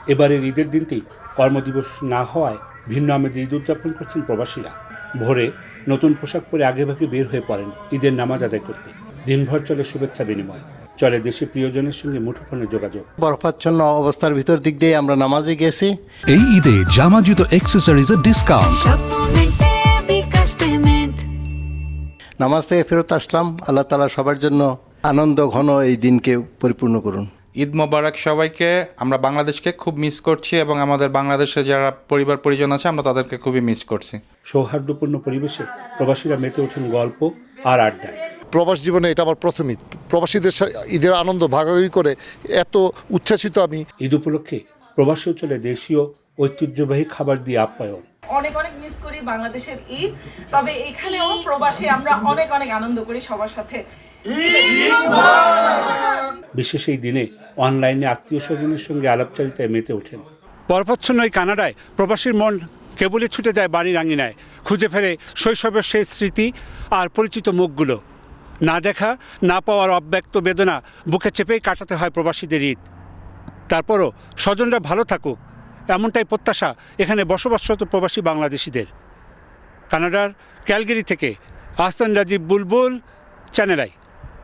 এবারের ঈদের দিনটি কর্মদিবস না হওয়ায় ভিন্ন আমেজে ঈদ উদযাপন করছেন প্রবাসীরা। ভোরে নতুন পোশাক পরে আগেভাগে বের হয়ে পড়েন ঈদের নামাজ আদায় করতে। দিনভর চলে শুভেচ্ছা বিনিময়, চলে দেশে প্রিয়জনের সঙ্গে মুঠোফোনে যোগাযোগ। বরফাচ্ছন্ন অবস্থার ভিতর দিক দিয়ে আমরা নামাজে গেছি। এই ঈদে জামা জুতো অ্যাক্সেসরিজের ডিসকাউন্ট। নামাজ থেকে ফেরত আসলাম। আল্লাহ তাআলা সবার জন্য আনন্দ ঘন এই দিনকে পরিপূর্ণ করুন। ঈদ মোবারক সবাইকে। আমরা বাংলাদেশকে খুব মিস করছি এবং আমাদের বাংলাদেশে যারা পরিবার পরিজন আছে আমরা তাদেরকে খুবই মিস করছি। সৌহার্দ্যপূর্ণ পরিবেশে প্রবাসীরা মেতে ওঠেন গল্প আর আড্ডায়। প্রবাস জীবনে এটা আমার প্রথম ঈদ। প্রবাসীদের ঈদের আনন্দ ভাগাভাগি করে এত উচ্ছ্বাসিত আমি। ঈদ উপলক্ষে প্রবাসেও চলে দেশীয় ঐতিহ্যবাহী খাবার দিয়ে আপ্যায়ন। অনেক অনেক মিস করি বাংলাদেশের ঈদ, তবে এখানেও প্রবাসী আমরা অনেক অনেক আনন্দ করি সবার সাথে। বিশেষ এই দিনে অনলাইনে আত্মীয় স্বজনের সঙ্গে আলাপচারিতায় মেতে ওঠেন। বরফাচ্ছন্ন এই কানাডায় প্রবাসীর মন কেবলই ছুটে যায় বাড়ির আঙিনায়, খুঁজে ফেরে শৈশবের সেই স্মৃতি আর পরিচিত মুখগুলো। না দেখা না পাওয়ার অব্যক্ত বেদনা বুকে চেপেই কাটাতে হয় প্রবাসীদের ঈদ। তারপরও স্বজনরা ভালো থাকুক, এমনটাই প্রত্যাশা এখানে বসবাসরত প্রবাসী বাংলাদেশিদের। কানাডার ক্যালগেরি থেকে আহসান রাজীব বুলবুল, চ্যানেল আই।